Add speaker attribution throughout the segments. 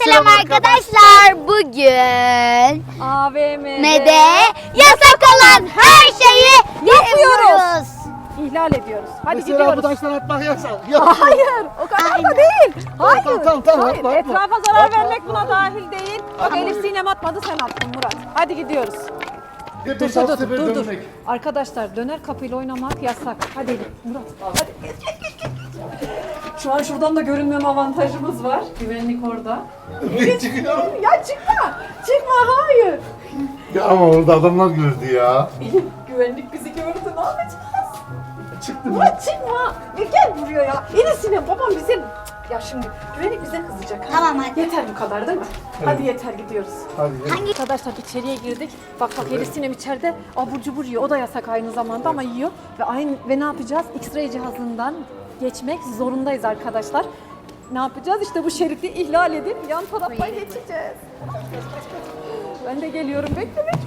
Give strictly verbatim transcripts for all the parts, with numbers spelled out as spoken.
Speaker 1: Selam arkadaşlar. Bugün
Speaker 2: A V M'de
Speaker 1: M'de yasak olan her şeyi yapıyoruz.
Speaker 2: İhlal ediyoruz. Hadi
Speaker 3: Mesela
Speaker 2: gidiyoruz.
Speaker 3: bu taştan atmak yasak.
Speaker 2: Hayır, o kadar
Speaker 1: Aynen.
Speaker 2: da değil. Hayır.
Speaker 3: Tamam, tamam, tamam,
Speaker 2: Hayır.
Speaker 3: atma, atma.
Speaker 2: Etrafa zarar
Speaker 3: Atma,
Speaker 2: vermek
Speaker 3: atma,
Speaker 2: buna
Speaker 3: atma.
Speaker 2: dahil değil. Bak
Speaker 3: Atma.
Speaker 2: Elif Sinem atmadı, sen attın Murat. Hadi gidiyoruz.
Speaker 3: Bir
Speaker 2: Dur
Speaker 3: beş,
Speaker 2: dur
Speaker 3: altı
Speaker 2: dur
Speaker 3: sefer
Speaker 2: dur. dur.
Speaker 3: dönmek.
Speaker 2: Arkadaşlar döner kapıyla oynamak yasak. Hadi Elif, Murat. Hadi geç geç geç geç. Şu an şuradan da görünmeme avantajımız var. Güvenlik orada.
Speaker 3: Ben çıkıyorum.
Speaker 2: Ya çıkma. Çıkma, hayır.
Speaker 3: Ya ama orada adamlar gördü ya.
Speaker 2: Elif, güvenlik bizi gördü, ne yapacağız?
Speaker 3: Çıktım.
Speaker 2: Murat çıkma. E, gel buraya ya. Elif Sinem, babam bize... Ya şimdi güvenlik bize kızacak. ha?
Speaker 1: Tamam, hadi.
Speaker 2: Yeter bu kadar değil mi? Hadi yeter, gidiyoruz.
Speaker 3: Hadi gel.
Speaker 1: Hangi?
Speaker 2: Arkadaşlar içeriye girdik. Bak bak Elif Sinem içeride abur cubur yiyor. O da yasak aynı zamanda ama yiyor. Ve aynı ve ne yapacağız? X-ray cihazından geçmek zorundayız arkadaşlar. Ne yapacağız? İşte bu şeridi ihlal edip yan tarafa geçeceğiz. Ben de geliyorum. Bekle bekle.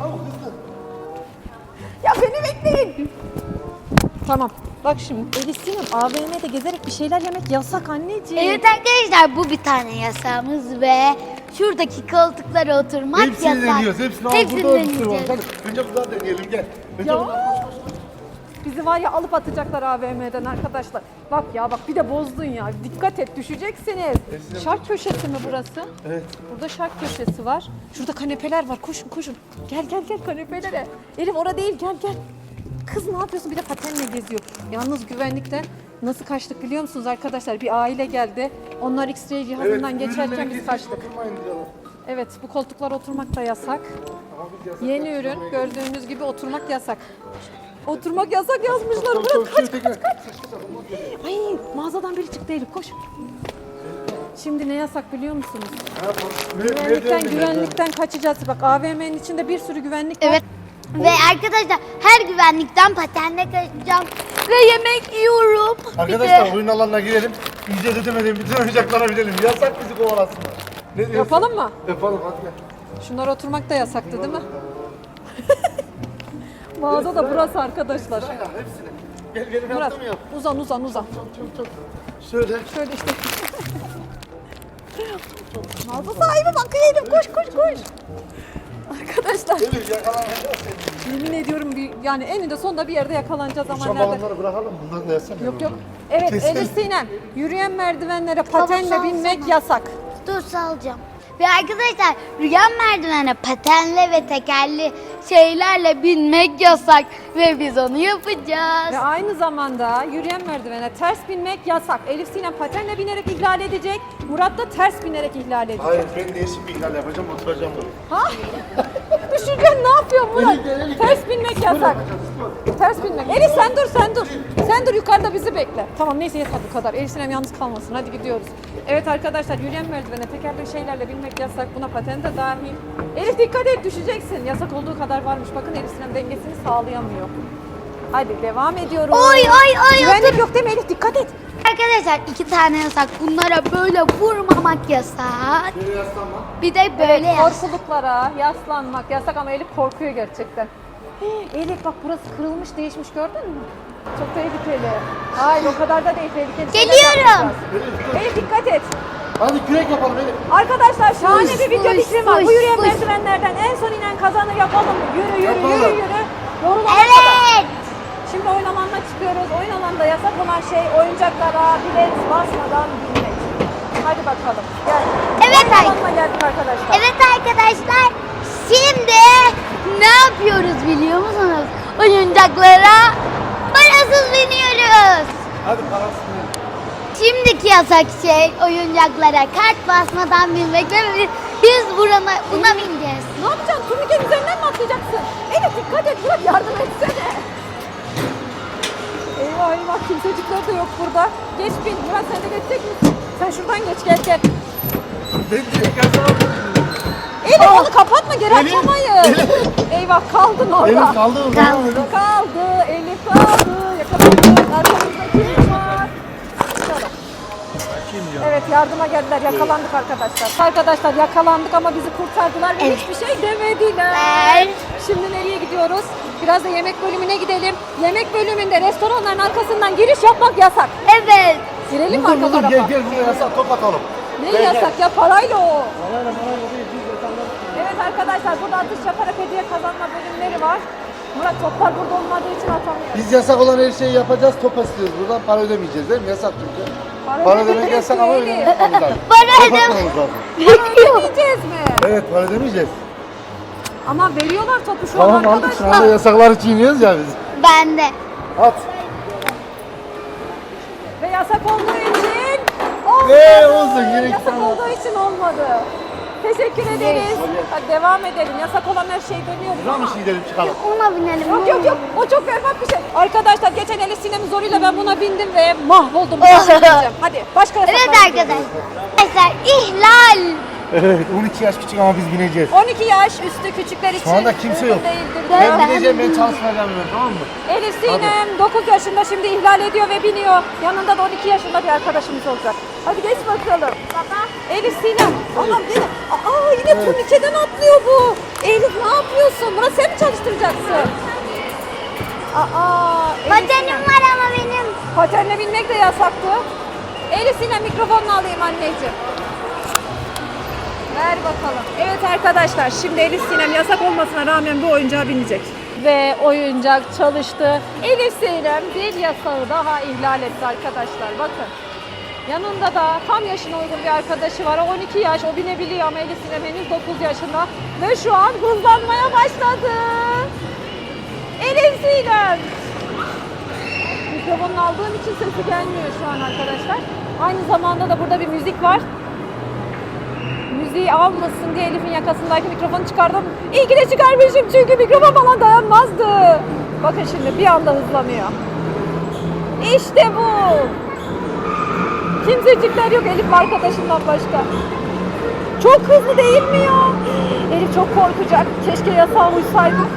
Speaker 2: Ya beni bekleyin. Tamam. Bak şimdi Elif Sinem, A V M'de gezerek bir şeyler yemek yasak anneciğim.
Speaker 1: Evet arkadaşlar, bu bir tane yasağımız ve şuradaki koltuklara oturmak
Speaker 3: Hepsini
Speaker 1: yasak.
Speaker 3: deniyoruz. Hepsini al.
Speaker 1: Hepsini
Speaker 3: Burada bir sürü var.
Speaker 1: deneyeceğiz.
Speaker 3: Hadi önce buradan deneyelim gel. Önce
Speaker 2: Ya.
Speaker 3: buradan.
Speaker 2: Bizi var ya alıp atacaklar A V M'den arkadaşlar. Bak ya bak, bir de bozdun ya. Dikkat et, düşeceksiniz.
Speaker 3: Esinem.
Speaker 2: Şark köşesi mi burası?
Speaker 3: Evet.
Speaker 2: Burada şark köşesi var. Şurada kanepeler var. Koşun koşun. Gel gel gel kanepelere. Elif orada değil, gel gel. Kız ne yapıyorsun? Bir de patenle geziyor. Yalnız güvenlikten nasıl kaçtık biliyor musunuz arkadaşlar? Bir aile geldi. Onlar X-ray cihazından
Speaker 3: Evet,
Speaker 2: geçerken
Speaker 3: ürünleri
Speaker 2: biz
Speaker 3: kesin
Speaker 2: kaçtık.
Speaker 3: dokunmayın diyorlar.
Speaker 2: Evet, bu koltuklara oturmak da yasak.
Speaker 3: Ama biz yasak
Speaker 2: Yeni
Speaker 3: yaptık,
Speaker 2: ürün,
Speaker 3: oraya
Speaker 2: gördüğünüz gibi oturmak yasak. Oturmak yasak yazmışlar.
Speaker 3: Tamam,
Speaker 2: Bırak,
Speaker 3: tamam,
Speaker 2: kaç
Speaker 3: şöyle
Speaker 2: kaç
Speaker 3: tekrar.
Speaker 2: kaç. Ay, mağazadan biri çıktı Elif, koş. Şimdi ne yasak biliyor musunuz?
Speaker 3: Ne yapalım?
Speaker 2: Güvenlikten,
Speaker 3: Nereden
Speaker 2: güvenlikten kaçacağız. Bak A V M'nin içinde bir sürü güvenlik var.
Speaker 1: Evet. Ve arkadaşlar her güvenlikten patenle kaçacağım ve yemek yiyorum. Bir
Speaker 3: Arkadaşlar
Speaker 1: de-
Speaker 3: oyun alanına girelim. İyice ödemeden bütün oyuncaklara binelim. Yasak bizi kovalasınlar. Ne diyorsun?
Speaker 2: Yapalım mı?
Speaker 3: Yapalım hadi gel.
Speaker 2: Şunlar oturmak da yasaktı değil mi? Mağaza da burası arkadaşlar.
Speaker 3: Sırayla hepsini. Gel benim
Speaker 2: Murat,
Speaker 3: yaptığımı yap.
Speaker 2: uzan uzan uzan.
Speaker 3: Çok çok. Şöyle.
Speaker 2: Şöyle işte. Mağaza sahibi bakıyor Elif, koş koş koş. Arkadaşlar
Speaker 3: Elif yakalanacağız seni.
Speaker 2: yemin ediyorum bir, yani eninde sonunda bir yerde yakalanacağız ama
Speaker 3: Şu
Speaker 2: nerede?
Speaker 3: balonları bırakalım. Bunları da yazsana.
Speaker 2: Yok yok. Evet
Speaker 3: Kesin.
Speaker 2: Elif Sinem, yürüyen merdivenlere patenle
Speaker 1: Tamam,
Speaker 2: binmek
Speaker 1: tamam.
Speaker 2: yasak.
Speaker 1: Dur, salacağım. Ve arkadaşlar rüyan merdivene patenle ve tekerli şeylerle binmek yasak ve biz onu yapacağız.
Speaker 2: Ve aynı zamanda yürüyen merdivene ters binmek yasak. Elif Sinem patenle binerek ihlal edecek. Murat da ters binerek ihlal edecek.
Speaker 3: Hayır ben değişik bir ihlal yapacağım. Oturacağım buraya.
Speaker 2: Ha? Düşürgen ne yapıyor Murat?
Speaker 3: Elif gel, Elif
Speaker 2: Ters binmek yasak. Ters binmek. Elif sen dur sen dur. Sen dur, yukarıda bizi bekle. Tamam neyse, yeter bu kadar. Elif Sinem yalnız kalmasın. Hadi gidiyoruz. Evet arkadaşlar, yürüyen merdivene tekerlekli şeylerle binmek yasak. Buna paten de dahil. Elif dikkat et, düşeceksin. Yasak olduğu kadar varmış. Bakın Elif Sinem dengesini sağlayamıyor. Hadi devam ediyoruz.
Speaker 1: Oy oy oy.
Speaker 2: Güvenlik yok değil mi Elif? Dikkat et.
Speaker 1: Arkadaşlar iki tane yasak. Bunlara böyle vurmamak yasak.
Speaker 3: Şöyle yaslanma.
Speaker 1: Bir de böyle yasak.
Speaker 2: Korkuluklara yaslanmak yasak ama Elif korkuyor gerçekten. Hii, Elif bak, burası kırılmış değişmiş, gördün mü? Çok tehlikeli. Hayır o kadar da değil, tehlikeli. şeyler
Speaker 1: Geliyorum.
Speaker 2: yapmayacağız.
Speaker 3: Elif dur.
Speaker 2: Elif dikkat et.
Speaker 3: Hadi kürek yapalım Elif.
Speaker 2: Arkadaşlar şahane
Speaker 1: Fış,
Speaker 2: bir video
Speaker 1: fış,
Speaker 2: fikrim var. Bu
Speaker 1: fış,
Speaker 2: yürüyen
Speaker 1: fış.
Speaker 2: merdivenlerden en son inen kazanır, yapalım mı? Yürü yürü
Speaker 3: Yapalım.
Speaker 2: yürü yürü. Yorulana kadar.
Speaker 1: Evet.
Speaker 2: Şimdi oyun alanına çıkıyoruz. Oyun alanında yasak olan şey oyuncaklara bilet basmadan binmek. Hadi bakalım. Gel.
Speaker 1: Evet,
Speaker 2: Oyun
Speaker 1: ay-
Speaker 2: alanına geldik arkadaşlar.
Speaker 1: Evet arkadaşlar, şimdi ne yapıyoruz biliyor musunuz? Oyuncaklara parasız biniyoruz.
Speaker 3: Hadi parasını.
Speaker 1: Şimdiki yasak şey oyuncaklara kart basmadan binmek ve biz- biz buna, buna bineceğiz.
Speaker 2: Ne yapacaksın? Turnikenin üzerinden mi atlayacaksın? Elif dikkat et, Murat yardım etsene. Eyvah eyvah, kimsecikler de yok burada. Geç bin. Murat sen de geçecek misin? Sen şuradan geç, gel gel.
Speaker 3: Ben direkt yazamadım.
Speaker 2: Elif onu kapatma, geri
Speaker 3: Elif,
Speaker 2: atamayız. Eyvah, kaldın orada.
Speaker 3: Elif kaldı mı?
Speaker 1: Kaldı.
Speaker 2: Kaldı, Elif kaldı. Yakalandık. Arkamızda kim var? Bakalım. Evet, yardıma geldiler. Yakalandık arkadaşlar. Arkadaşlar yakalandık ama bizi kurtardılar ve
Speaker 1: Evet.
Speaker 2: hiçbir şey demediler. Şimdi nereye gidiyoruz? Biraz da yemek bölümüne gidelim. Yemek bölümünde restoranların arkasından giriş yapmak yasak.
Speaker 1: Evet.
Speaker 2: Girelim mi
Speaker 3: Dur
Speaker 2: arka
Speaker 3: dur dur
Speaker 2: tarafa?
Speaker 3: gel gel buraya yasak top atalım.
Speaker 2: Ne
Speaker 3: Gel,
Speaker 2: yasak ya? Parayla o.
Speaker 3: Parayla parayla değil. Biz yasanlar.
Speaker 2: Evet arkadaşlar burada atış yaparak hediye kazanma bölümleri var. Murat toplar burada olmadığı için atamıyor.
Speaker 3: Biz yasak olan her şeyi yapacağız, top istiyoruz. Buradan para ödemeyeceğiz değil mi? Yasak çünkü.
Speaker 2: Para
Speaker 3: Para ödemek
Speaker 2: ödemeyeceğiz
Speaker 3: yasak ama
Speaker 2: değil.
Speaker 3: ödemek yapmamız lazım.
Speaker 1: Para
Speaker 3: Top
Speaker 1: ödem-
Speaker 3: atmamız lazım.
Speaker 2: Ödemeyeceğiz mi?
Speaker 3: Evet, para ödemeyeceğiz.
Speaker 2: Ama veriyorlar topu şu an
Speaker 3: Tamam aldık, şu
Speaker 2: arkadaşlar.
Speaker 3: anda yasakları çiğniyoruz ya biz.
Speaker 1: Ben de.
Speaker 3: At.
Speaker 2: Ve yasak olduğu için olmadı.
Speaker 3: Ee, olsun, gerek
Speaker 2: Yasak
Speaker 3: yok.
Speaker 2: olduğu için olmadı. Teşekkür ederiz. Hadi devam edelim. Yasak olan her şey dönüyor.
Speaker 3: Buradan mı gidelim çıkalım?
Speaker 1: Ona binelim.
Speaker 2: Yok yok yok. O çok berbat bir şey. Arkadaşlar geçen Elif Sinem'in zoruyla ben buna bindim ve mahvoldum. Bir daha binmeyeceğim. Hadi başka yasaklara
Speaker 1: Evet
Speaker 2: gidiyoruz.
Speaker 1: arkadaşlar. Arkadaşlar ihlal.
Speaker 3: Evet, on iki yaş küçük ama biz bineceğiz.
Speaker 2: on iki yaş üstü küçükler için
Speaker 3: Şu anda kimse
Speaker 2: uygun
Speaker 3: yok.
Speaker 2: değildir.
Speaker 3: Ben
Speaker 1: Ben-
Speaker 3: bineceğim, ben çalışmayacağım ben, tamam mı?
Speaker 2: Elif Sinem dokuz yaşında şimdi ihlal ediyor ve biniyor. Yanında da on iki yaşında bir arkadaşımız olacak. Hadi geç bakalım. Baba. Elif Sinem. Allah'ım yine. Aa yine
Speaker 3: Evet.
Speaker 2: turnikeden atlıyor bu. Elif ne yapıyorsun? Murat sen mi çalıştıracaksın? Aa. Elif
Speaker 1: Patenim
Speaker 2: Sinem.
Speaker 1: var ama benim.
Speaker 2: Patenle binmek de yasaktı. Elif Sinem mikrofonunu alayım anneciğim. Ver bakalım. Evet arkadaşlar şimdi Elif Sinem yasak olmasına rağmen bu oyuncağa binecek. Ve oyuncak çalıştı. Elif Sinem bir yasağı daha ihlal etti arkadaşlar. Bakın. Yanında da tam yaşına uygun bir arkadaşı var. O on iki yaş, o binebiliyor ama Elif Sinem henüz dokuz yaşında. Ve şu an hızlanmaya başladı. Elif Sinem. Mikrofonunu aldığım için sesi gelmiyor şu an arkadaşlar. Aynı zamanda da burada bir müzik var. Müziği almasın diye Elif'in yakasındaki mikrofonu çıkardım. İyi ki de çıkarmışım çünkü mikrofon falan dayanmazdı. Bakın şimdi bir anda hızlanıyor. İşte bu. Kimsecikler yok Elif arkadaşından başka. Çok hızlı değil mi ya? Elif çok korkacak. Keşke yasağa uysaydık.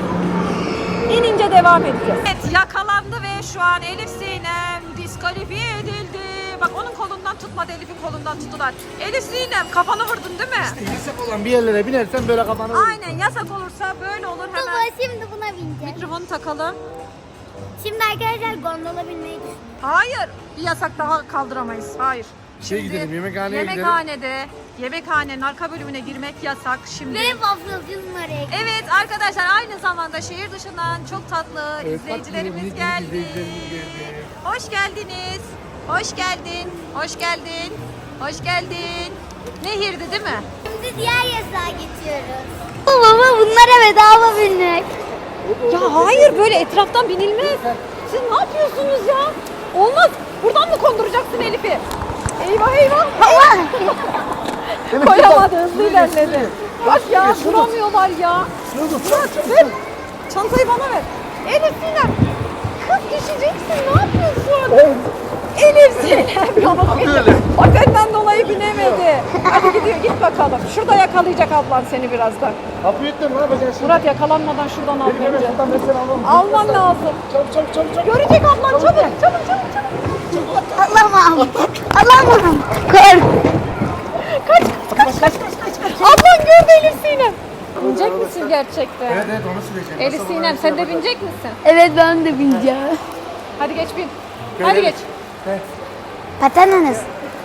Speaker 2: İnince devam edeceğiz. Evet yakalandı ve şu an Elif Sinem diskalifiye edildi. Bak onun kolundan tutmadı, Elif'in kolundan tuttular. Elif Sinem kafanı vurdun değil mi?
Speaker 3: Yasak olan bir yerlere binersen böyle kafanı vurur.
Speaker 2: Aynen yasak olursa böyle olur hemen.
Speaker 1: Baba şimdi buna bineceğim.
Speaker 2: Mikrofonu takalım.
Speaker 1: Şimdi arkadaşlar gondola binmeyi düşünüyorum.
Speaker 2: Hayır bir yasak daha kaldıramayız. Hayır.
Speaker 3: Şeye
Speaker 2: Şimdi
Speaker 3: gidelim, yemekhaneye gidelim.
Speaker 2: Yemekhanede, yemekhanenin arka bölümüne girmek yasak şimdi.
Speaker 1: Ve wafflecının oraya gidelim.
Speaker 2: Evet arkadaşlar aynı zamanda şehir dışından çok tatlı
Speaker 3: Evet,
Speaker 2: izleyicilerimiz
Speaker 3: tatlı, minik
Speaker 2: geldi.
Speaker 3: izleyicilerimiz geldi.
Speaker 2: Hoş geldiniz. Hoş geldin. Hoş geldin. Hoş geldin. Nehir'di değil mi?
Speaker 1: Şimdi diğer yasağa geçiyoruz. Baba bunlara bedava binmek.
Speaker 2: Ya hayır böyle etraftan binilmez. Siz ne yapıyorsunuz ya? Olmaz. Buradan mı konduracaksın Elif'i? Eyvah eyvah.
Speaker 1: Allah.
Speaker 2: Koyamadı hızlı ilerledi. Bak ya duramıyorlar ya. Murat ver. Çantayı bana ver. Elif Sinem. Kız düşeceksin ne yapıyorsun? Elif Sinem. Yavrum
Speaker 3: Böyle.
Speaker 2: Patenden dolayı binemedi. Hadi gidiyor git bakalım. Şurada yakalayacak ablan seni birazdan.
Speaker 3: Kapıyı ettin, ne yapacaksın şimdi?
Speaker 2: Murat yakalanmadan şuradan al
Speaker 3: Benim hemen
Speaker 2: bence.
Speaker 3: şuradan ben seni alalım.
Speaker 2: Alman lazım.
Speaker 3: Çabuk çabuk çabuk çabuk.
Speaker 2: Görecek ablan çabuk çabuk çabuk çabuk.
Speaker 1: Alamam. Alamam. Kork.
Speaker 2: Kaç kaç kaç kaç kaç kaç. Ablan gördü Elif Sinem. Binecek misin gerçekten?
Speaker 3: Evet evet onu süreceğim.
Speaker 2: Elif
Speaker 3: Nasıl
Speaker 2: Sinem
Speaker 3: bunu
Speaker 2: sen de
Speaker 3: yapacağım?
Speaker 2: binecek misin?
Speaker 1: Evet ben de bineceğim.
Speaker 2: Hadi geç bin.
Speaker 3: Gel,
Speaker 2: Hadi
Speaker 3: gel.
Speaker 2: geç.
Speaker 1: Pateniniz.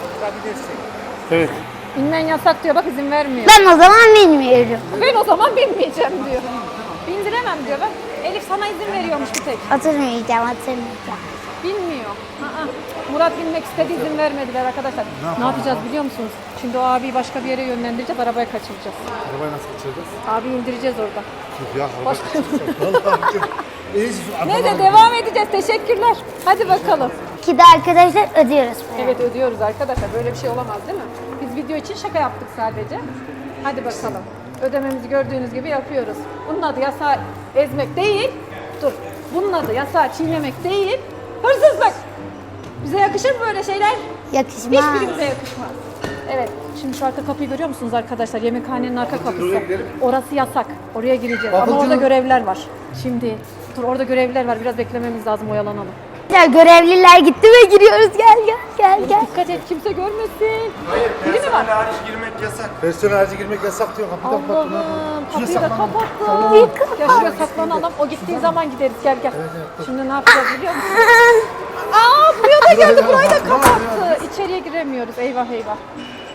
Speaker 3: Evet.
Speaker 2: Binmen yasak diyor bak izin vermiyor.
Speaker 1: Ben o zaman bilmiyorum.
Speaker 2: Ben o zaman binmeyeceğim diyor. Bindiremem diyor bak. Elif sana izin veriyormuş bir tek.
Speaker 1: Oturmayacağım, oturmayacağım.
Speaker 2: Bilmiyor. Aa, Murat binmek istedi izin vermediler arkadaşlar. Ne, yapacağız biliyor musunuz? Şimdi o abiyi başka bir yere yönlendireceğiz arabaya kaçıracağız.
Speaker 3: Arabayı nasıl kaçıracağız?
Speaker 2: Abi indireceğiz orada.
Speaker 3: Ya araba
Speaker 2: Başka-
Speaker 3: kaçıracağız. Vallahi çok. Neyse şu
Speaker 2: Neyse
Speaker 3: arabadan-
Speaker 2: devam edeceğiz. Teşekkürler. Hadi bakalım.
Speaker 1: Ki de arkadaşlar ödüyoruz.
Speaker 2: Evet ödüyoruz arkadaşlar. Böyle bir şey olamaz değil mi? Biz video için şaka yaptık sadece. Hadi bakalım. Ödememizi gördüğünüz gibi yapıyoruz. Bunun adı yasağı ezmek değil. Dur. Bunun adı yasağı çiğnemek değil. Hırsızlık. Bize yakışır mı böyle şeyler?
Speaker 1: Yakışmaz.
Speaker 2: Hiçbirimize yakışmaz. Evet. Şimdi şu arka kapıyı görüyor musunuz arkadaşlar? Yemekhanenin arka kapısı. Orası yasak. Oraya gireceğiz. Ama
Speaker 3: Bakın
Speaker 2: orada
Speaker 3: canım.
Speaker 2: görevliler var. Şimdi dur orada görevliler var. Biraz beklememiz lazım. Oyalanalım.
Speaker 1: Görevliler gitti ve giriyoruz. Gel gel gel gel.
Speaker 2: Dikkat et kimse görmesin.
Speaker 4: Hayır,
Speaker 2: Biri mi var?
Speaker 4: personel hariç girmek yasak.
Speaker 3: Personel harici girmek yasak diyor. Kapıyı kapat.
Speaker 2: Allah'ım kapıyı da
Speaker 3: saklan.
Speaker 2: kapattı. Gel şuraya saklanalım. O gittiği zaman gideriz. Gel gel. Şimdi ne yapacağız biliyor musun? Aa buraya da geldi. Burayı da kapattı. İçeriye giremiyoruz. Eyvah eyvah.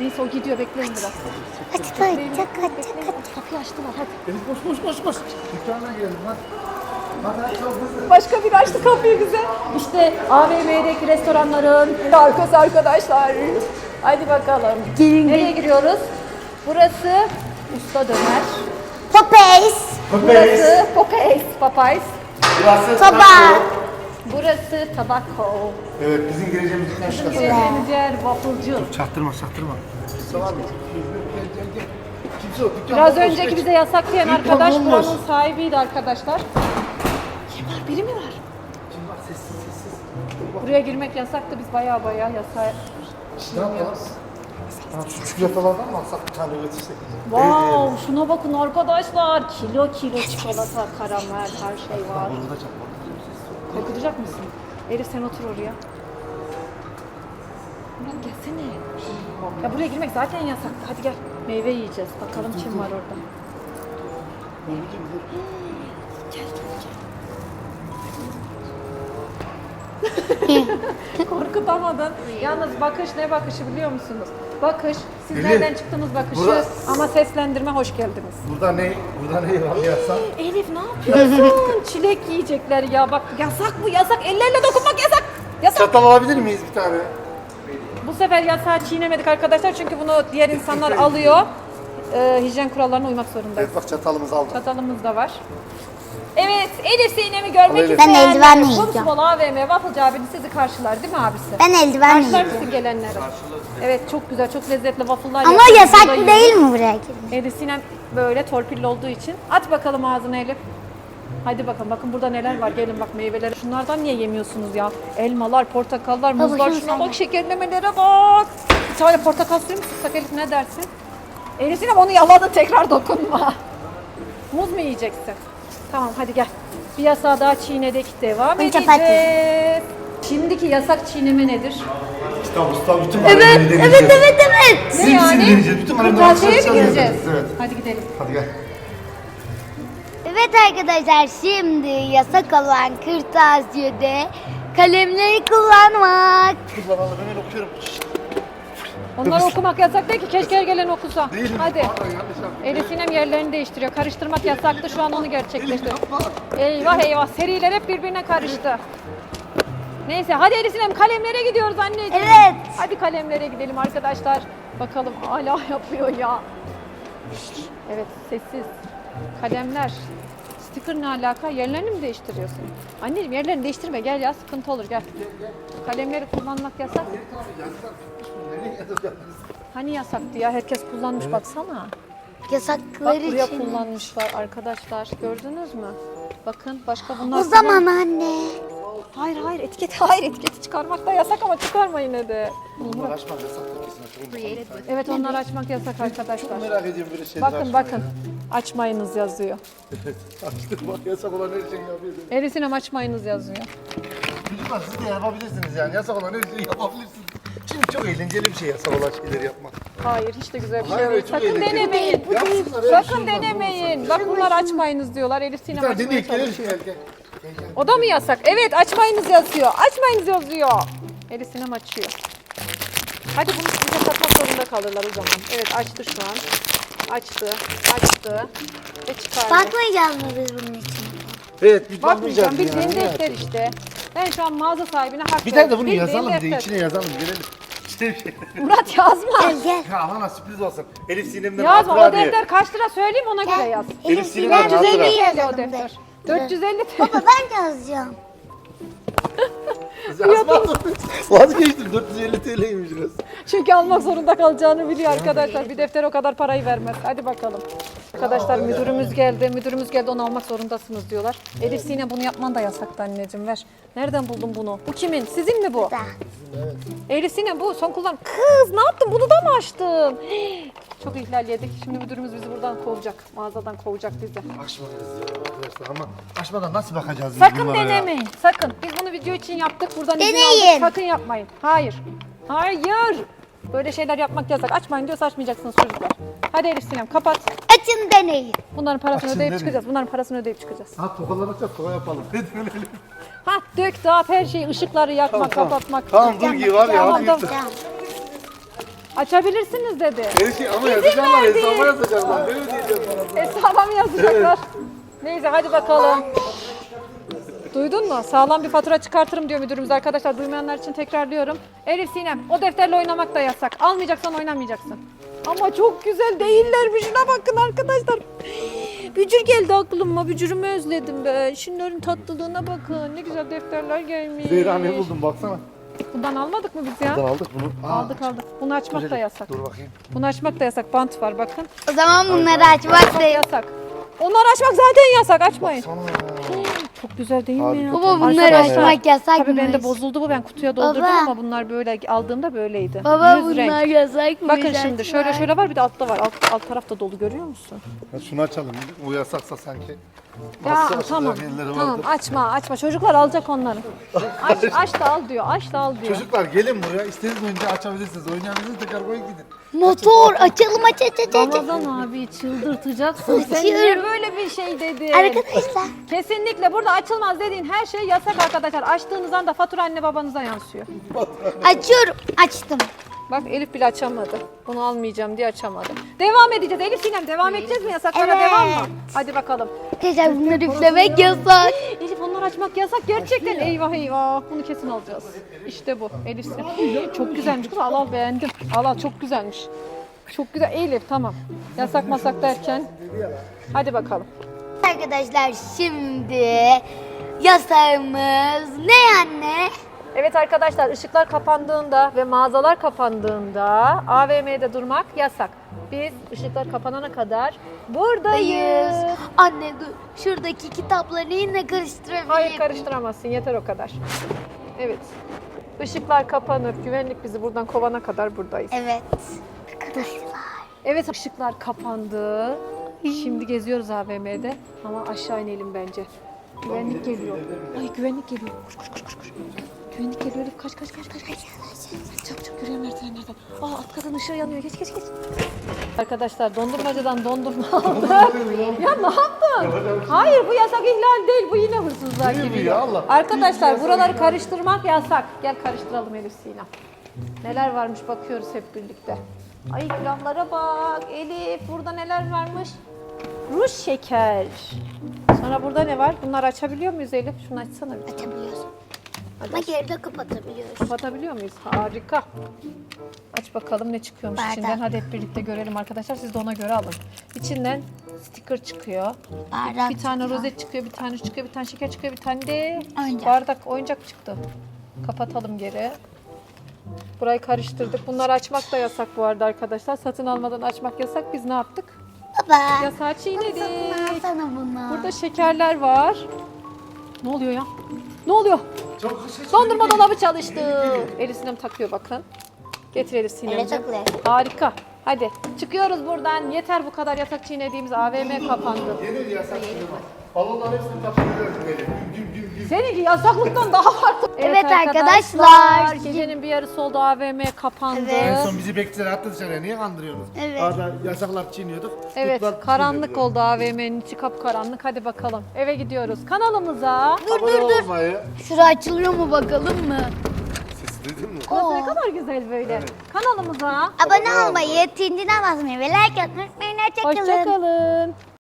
Speaker 2: Neyse o gidiyor, bekleyin biraz.
Speaker 1: Aç aç aç aç aç.
Speaker 2: Kapıyı açtılar hadi.
Speaker 3: Elif koş koş koş koş. Dükkana girelim hadi. Hadi çok hızlı.
Speaker 2: Başka biri açtı kapıyı bize. İşte A V M'deki restoranların arkası arkadaşlar. Hadi bakalım.
Speaker 1: Gelin,
Speaker 2: Nereye
Speaker 1: gelin.
Speaker 2: giriyoruz? Burası Usta Döner.
Speaker 1: Popeyes.
Speaker 2: Burası Popeyes. Popeyes.
Speaker 3: Burası
Speaker 1: Soba.
Speaker 3: taco.
Speaker 2: Burası Tabako.
Speaker 3: Evet bizim gireceğimiz dükkan şurası.
Speaker 2: Gireceğimiz yer wafflecı.
Speaker 3: Çaktırma çaktırma. Kimse var mı? Gel gel gel. Kimse yok. Dükkan
Speaker 2: Biraz
Speaker 3: bomboş,
Speaker 2: önceki
Speaker 3: geç.
Speaker 2: bize yasak diyen
Speaker 3: Dükkan
Speaker 2: arkadaş
Speaker 3: bomboş.
Speaker 2: buranın sahibiydi arkadaşlar. Kim var? Biri mi var?
Speaker 3: Kim var? Sessiz sessiz.
Speaker 2: Buraya girmek yasaktı. Biz baya baya yasağı
Speaker 3: Ne yapalım? Ha, şu çikolatalardan mı alsak bir tane üretirsek?
Speaker 2: Wow, şuna bakın arkadaşlar. Kilo kilo çikolata, karamel, her şey var.
Speaker 3: Burada çak.
Speaker 2: Korkutacak mısın? Elif sen otur oraya. Murat gelsene. Ya buraya girmek zaten yasak. Hadi gel. Meyve yiyeceğiz. Bakalım kim var orada. Korkutamadın. Yalnız bakış ne bakışı biliyor musunuz? Bakış, siz
Speaker 3: Elif,
Speaker 2: nereden çıktınız bakışı
Speaker 3: burada-
Speaker 2: ama seslendirme hoş geldiniz.
Speaker 3: Burada ne? Burada ne var yasak?
Speaker 2: Elif ne yapıyorsun? Çilek yiyecekler ya bak yasak bu yasak. Ellerle dokunmak yasak. Yasak.
Speaker 3: Çatal alabilir miyiz bir tane?
Speaker 2: Bu sefer yasağı çiğnemedik arkadaşlar çünkü bunu diğer insanlar alıyor. Ee, hijyen kurallarına uymak zorundayız.
Speaker 3: Evet bak çatalımızı aldık.
Speaker 2: Çatalımız da var. Evet, Elif Sinem'i görmek
Speaker 3: Elif.
Speaker 1: Ben
Speaker 2: isteyenler,
Speaker 1: eldiven yiyeceğim.
Speaker 2: Kumsal A V M Wafflecı abini sizi karşılar değil mi abisi?
Speaker 1: Ben eldiven
Speaker 2: Karşılar
Speaker 1: yiyeceğim.
Speaker 2: mısın gelenlere? Evet, çok güzel, çok lezzetli waffle'lar
Speaker 1: Ama
Speaker 2: yapıyoruz.
Speaker 1: yasak
Speaker 2: Burada
Speaker 1: değil
Speaker 2: yiyoruz.
Speaker 1: mi buraya girmek?
Speaker 2: Elif Sinem böyle torpilli olduğu için. Aç bakalım ağzına Elif. Hadi bakalım, bakın burada neler var. Gelin bak meyveler. Şunlardan niye yemiyorsunuz ya? Elmalar, portakallar,
Speaker 1: Baba,
Speaker 2: muzlar.
Speaker 1: şunu
Speaker 2: Şuna
Speaker 1: sen
Speaker 2: bak,
Speaker 1: yap.
Speaker 2: şekerlemelere bak. Bir tane portakal suyu mu sıksak Elif, ne dersin? Elif Sinem onu yaladı, tekrar dokunma. Muz mu yiyeceksin? Tamam hadi gel. Bir yasağı daha çiğnedik. Devam
Speaker 1: Ben
Speaker 2: edeceğiz.
Speaker 1: çapati.
Speaker 2: Şimdiki yasak çiğneme nedir?
Speaker 3: Kitap usta bütün
Speaker 1: Evet,
Speaker 3: mahalleleri deneyeceğiz.
Speaker 1: evet, evet, evet.
Speaker 2: Ne yani?
Speaker 3: deneyeceğiz. Bütün mahalleleri
Speaker 2: Kırtasiye'ye mi
Speaker 3: çalışacağız,
Speaker 2: gireceğiz?
Speaker 3: yapacağız. Evet.
Speaker 2: Hadi gidelim.
Speaker 3: Hadi gel.
Speaker 1: Evet arkadaşlar şimdi yasak olan kırtasiyede kalemleri kullanmak.
Speaker 3: Kız bana ben okuyorum.
Speaker 2: Onları okumak yasak değil ki. Keşke gelen okusa.
Speaker 3: Değil mi?
Speaker 2: Hadi.
Speaker 3: Pardon, yanlış yaptım.
Speaker 2: Elif Sinem yerlerini değiştiriyor. Karıştırmak yasaktı. Şu an onu gerçekleştiriyor.
Speaker 3: Yapma.
Speaker 2: Eyvah eyvah. Seriler hep birbirine karıştı. Neyse hadi Elif Sinem kalemlere gidiyoruz anneciğim.
Speaker 1: Evet.
Speaker 2: Hadi kalemlere gidelim arkadaşlar. Bakalım hala yapıyor ya. Evet sessiz. Kalemler. Sticker ne alaka? Yerlerini mi değiştiriyorsun? Anneciğim yerlerini değiştirme gel ya sıkıntı olur gel. Kalemleri kullanmak yasak.
Speaker 3: Nereye yazacağız?
Speaker 2: Hani yasaktı ya herkes kullanmış baksana. Bak
Speaker 1: Yasakları
Speaker 2: buraya
Speaker 1: için.
Speaker 2: kullanmışlar arkadaşlar gördünüz mü? Bakın başka bunlar.
Speaker 1: O zaman anne.
Speaker 2: Hayır hayır etiketi hayır etiketi çıkarmak da yasak ama çıkarma yine de.
Speaker 3: Bunlar açmak yasak kesin.
Speaker 2: Evet onları açmak yasak arkadaşlar.
Speaker 3: Merak ediyorum böyle şeyler
Speaker 2: Bakın
Speaker 3: açmayı.
Speaker 2: bakın açmayınız yazıyor.
Speaker 3: Açtım bak yasak olan her şeyi yapıyorsun.
Speaker 2: Elif Sinem açmayınız yazıyor.
Speaker 3: Çocuklar siz de yapabilirsiniz yani. Yasak olan her şeyi yapabilirsiniz. Çünkü çok eğlenceli bir şey yasak olan şeyleri yapmak.
Speaker 2: Hayır hiç de güzel bir şey
Speaker 3: Hayır,
Speaker 2: değil.
Speaker 3: çok
Speaker 2: Sakın
Speaker 3: eğlenceli.
Speaker 2: denemeyin.
Speaker 3: Yapsınlar, öyle bir
Speaker 2: Sakın
Speaker 3: şey olmaz,
Speaker 2: denemeyin.
Speaker 3: olmaz.
Speaker 2: Bak bunlar açmayınız diyorlar. Elif
Speaker 3: Bir
Speaker 2: Sinem
Speaker 3: tane
Speaker 2: açmaya
Speaker 3: deneyip gelelim.
Speaker 2: çalışıyor.
Speaker 3: Gel gel. Gel gel.
Speaker 2: O da mı yasak? Evet açmayınız yazıyor. Açmayınız yazıyor. Elif Sinem açıyor. Hadi bunu size satmak zorunda kalırlar o zaman. Evet açtı şu an. Açtı. Açtı. Ve çıkardı.
Speaker 1: Bakmayacağız mı biz bunun için?
Speaker 3: Evet biz
Speaker 2: Bakmayacağım.
Speaker 3: bakmayacağız
Speaker 2: Bildiğin
Speaker 3: yani.
Speaker 2: defter işte. Ben şu an mağaza sahibine hak
Speaker 3: Bir tane de
Speaker 2: veriyorum.
Speaker 3: bunu
Speaker 2: Bildiğin
Speaker 3: yazalım bir de
Speaker 2: defter.
Speaker 3: içine yazalım gelelim. İşte bir şey.
Speaker 2: Murat yazma.
Speaker 1: Gel gel.
Speaker 3: Ya bana sürpriz olsun. Elif Sinem'den
Speaker 2: Yazma o
Speaker 3: hatıra diye.
Speaker 2: defter kaç lira söyleyeyim ona göre
Speaker 1: Gel.
Speaker 2: yaz.
Speaker 3: Elif
Speaker 1: Elif
Speaker 3: Sinem'den
Speaker 1: Sinem
Speaker 3: hatıra.
Speaker 1: düzeni
Speaker 2: o
Speaker 1: yazalım
Speaker 2: defter.
Speaker 1: de.
Speaker 2: dört yüz elli
Speaker 1: Baba ben yazacağım.
Speaker 3: Yazmadım. Vazgeçtim dört yüz elli T L'ymiş biraz.
Speaker 2: Çünkü almak zorunda kalacağını biliyor arkadaşlar. Bir defter o kadar parayı vermez. Hadi bakalım. Arkadaşlar müdürümüz geldi. Müdürümüz geldi onu almak zorundasınız diyorlar. Elif Sinem bunu yapman da yasaktı anneciğim ver. Nereden buldun bunu? Bu kimin? Sizin mi bu?
Speaker 1: Da.
Speaker 2: Elif Sinem bu son kullan. Kız ne yaptın? Bunu da mı açtın? Çok ihlal yedik. Şimdi müdürümüz bizi buradan kovacak. Mağazadan kovacak bizi.
Speaker 3: Açmadınız ya arkadaşlar ama açmadan nasıl bakacağız biz
Speaker 2: Sakın
Speaker 3: bunlara ya?
Speaker 2: denemeyin. Sakın. Biz bunu video için yaptık. Buradan izin
Speaker 1: Deneyin.
Speaker 2: aldık. Sakın yapmayın. Hayır. Hayır. Böyle şeyler yapmak yasak. Açmayın diyorsa açmayacaksınız çocuklar. Hadi Elif Sinem kapat.
Speaker 1: Açın deneyin.
Speaker 2: Bunların parasını
Speaker 3: Açın
Speaker 2: ödeyip
Speaker 3: deneyin.
Speaker 2: çıkacağız. Bunların parasını ödeyip çıkacağız.
Speaker 3: Ha tokalanacak toka yapalım. Ne dönelim.
Speaker 2: Ha dök dağıt her şeyi. Işıkları yakmak,
Speaker 3: Tamam, tamam.
Speaker 2: kapatmak.
Speaker 3: Tamam dur ki var ya.
Speaker 2: Tamam,
Speaker 3: hadi
Speaker 2: tamam.
Speaker 3: yürü.
Speaker 1: Tamam.
Speaker 2: Açabilirsiniz dedi.
Speaker 3: Elif ama
Speaker 2: İzin
Speaker 3: yazacaklar,
Speaker 2: verdi.
Speaker 3: hesaba yazacaklar. Ne ödeyeceğim sana?
Speaker 2: Hesaba mı yazacaklar? Neyse hadi bakalım. Duydun mu? Sağlam bir fatura çıkartırım diyor müdürümüz arkadaşlar. Duymayanlar için tekrarlıyorum. Elif Sinem, o defterle oynamak da yasak. Almayacaksan oynamayacaksın. Ama çok güzel değillermiş. Şuna bakın arkadaşlar. Bücür geldi aklıma. Bücürümü özledim ben. Şunların tatlılığına bakın. Ne güzel defterler gelmiş.
Speaker 3: Zehra ne buldun baksana.
Speaker 2: Bundan almadık mı biz ya?
Speaker 3: Buradan aldık bunu. Aa,
Speaker 2: Aldık aldık. Bunu açmak da yasak.
Speaker 3: Dur bakayım.
Speaker 2: Bunu açmak da yasak. Bant var bakın.
Speaker 1: O zaman bunları açmak da yok.
Speaker 2: Yasak. Onları açmak zaten yasak. Açmayın.
Speaker 3: Sana.
Speaker 2: Çok güzel değil mi ya?
Speaker 3: Harika.
Speaker 1: Baba bunları
Speaker 2: Arkadaşlar,
Speaker 1: açmak yasakmış.
Speaker 2: Tabii bende bozuldu bu. Ben kutuya doldurdum
Speaker 1: Baba.
Speaker 2: ama bunlar böyle aldığımda böyleydi.
Speaker 1: Baba
Speaker 2: Yüz
Speaker 1: bunlar
Speaker 2: renk.
Speaker 1: yasakmış.
Speaker 2: Bakın şimdi
Speaker 1: açmak.
Speaker 2: şöyle şöyle var bir de altta var. Alt, alt tarafta dolu görüyor musun?
Speaker 3: Ya şunu açalım. O yasaksa sanki.
Speaker 2: Ya
Speaker 3: Nasıl açılacak
Speaker 2: tamam.
Speaker 3: yerleri
Speaker 2: Tamam
Speaker 3: vardır.
Speaker 2: açma açma. Çocuklar alacak onları. Aç, aç da al diyor. Aç da al diyor.
Speaker 3: Çocuklar gelin buraya. İstediğiniz önce açabilirsiniz. Oynayabilirsiniz. Tekrar koyun gidin.
Speaker 1: Motor açalım aç aç aç aç.
Speaker 2: Ramazan abi çıldırtacaksın. Sen
Speaker 1: Açıyorum.
Speaker 2: niye böyle bir şey dedin?
Speaker 1: Arkadaşlar.
Speaker 2: Kesinlikle burada açılmaz dediğin her şey yasak arkadaşlar. Açtığınız anda fatura anne babanıza yansıyor.
Speaker 1: Açıyorum. Açtım.
Speaker 2: Bak Elif bile açamadı. Bunu almayacağım diye açamadı. Devam edeceğiz. Elif Sinem devam edeceğiz mi? Yasaklara
Speaker 1: Evet.
Speaker 2: devam mı? Hadi bakalım.
Speaker 1: Arkadaşlar bunları üflemek yasak.
Speaker 2: Elif onları açmak yasak gerçekten. Eyvah eyvah. Bunu kesin alacağız. İşte bu Elif Sinem. Çok güzelmiş kız. Al al beğendim. Al al çok güzelmiş. Çok güzel. Elif tamam. Yasak masak derken. Hadi bakalım.
Speaker 1: Arkadaşlar şimdi yasağımız ne anne?
Speaker 2: Evet arkadaşlar ışıklar kapandığında ve mağazalar kapandığında A V M'de durmak yasak. Biz ışıklar kapanana kadar buradayız.
Speaker 1: Dayız. Anne dur. Şuradaki kitapları yine karıştırabilirim.
Speaker 2: Hayır karıştıramazsın yeter o kadar. Evet. Işıklar kapanır. Güvenlik bizi buradan kovana kadar buradayız.
Speaker 1: Evet. Arkadaşlar.
Speaker 2: Evet ışıklar kapandı. Şimdi geziyoruz A V M'de ama aşağı inelim bence. Güvenlik geliyor. Ay güvenlik geliyor. Koş koş koş koş. koş. Güvenlik geliyor Elif. Kaç kaç kaç kaç. kaç. Çabuk çabuk yürüyen merdivenlerden. Aa alt katın ışığı yanıyor. Geç geç geç. Arkadaşlar dondurmacıdan dondurma aldık. Ya ne yaptın? Hayır bu yasak ihlal değil. Bu yine hırsızlığa
Speaker 3: Değil mi
Speaker 2: giriyor.
Speaker 3: ya Allah?
Speaker 2: Arkadaşlar buraları karıştırmak yasak. Gel karıştıralım Elif Sinem. Neler varmış bakıyoruz hep birlikte. Ay külahlara bak. Elif burada neler varmış? Ruj şeker. Sonra burada ne var? Bunları açabiliyor muyuz Elif? Şunu açsana bir.
Speaker 1: Açabiliyoruz.
Speaker 2: Hadi
Speaker 1: Ama
Speaker 2: aç.
Speaker 1: geride kapatabiliyoruz.
Speaker 2: Kapatabiliyor muyuz? Harika. Aç bakalım ne çıkıyormuş
Speaker 1: Bardak.
Speaker 2: içinden. Hadi hep birlikte görelim arkadaşlar. Siz de ona göre alın. İçinden sticker çıkıyor.
Speaker 1: Bardak
Speaker 2: Bir tane
Speaker 1: çıkıyor.
Speaker 2: rozet çıkıyor, bir tane şu çıkıyor, bir tane şeker çıkıyor, bir tane de
Speaker 1: Oyuncak.
Speaker 2: bardak, oyuncak çıktı. Kapatalım geri. Burayı karıştırdık. Bunları açmak da yasak bu arada arkadaşlar. Satın almadan açmak yasak. Biz ne yaptık?
Speaker 1: Baba.
Speaker 2: Yasağı çiğnedik.
Speaker 1: Alsana bunu.
Speaker 2: Burada şekerler var. Ne oluyor ya? Ne oluyor?
Speaker 3: Çok hışış.
Speaker 2: Dondurma dolabı çalıştı. Elif Sinem takıyor bakın. Getir Elif
Speaker 1: Ele
Speaker 2: Sinemciğim.
Speaker 1: takılıyor.
Speaker 2: Harika. Hadi çıkıyoruz buradan. Yeter bu kadar yasak çiğnediğimiz A V M kapandı.
Speaker 3: Yeni bir yasak şimdi bak. Balonların hepsini kapatıyoruz böyle. Güm güm güm güm.
Speaker 2: Seninki yasaklıktan daha farklı.
Speaker 1: Evet arkadaşlar.
Speaker 2: Gecenin bir yarısı oldu A V M kapandı.
Speaker 1: Evet.
Speaker 3: En son bizi beklediler attı dışarıya. Niye kandırıyorsunuz?
Speaker 1: Evet.
Speaker 3: Arada yasaklar çiğniyorduk.
Speaker 2: Evet
Speaker 3: tuttular,
Speaker 2: karanlık
Speaker 3: çiğnediler.
Speaker 2: oldu A V M'nin içi kapkaranlık. Hadi bakalım eve gidiyoruz. Kanalımıza.
Speaker 3: Abone olmayı.
Speaker 1: Şura açılıyor mu bakalım mı?
Speaker 3: Sesi duydun mu?
Speaker 2: Burası ne kadar güzel böyle. Kanalımıza.
Speaker 1: Abone olmayı, tintine basmayı ve like atmayı unutmayın. Hoşçakalın.
Speaker 2: Hoşçakalın.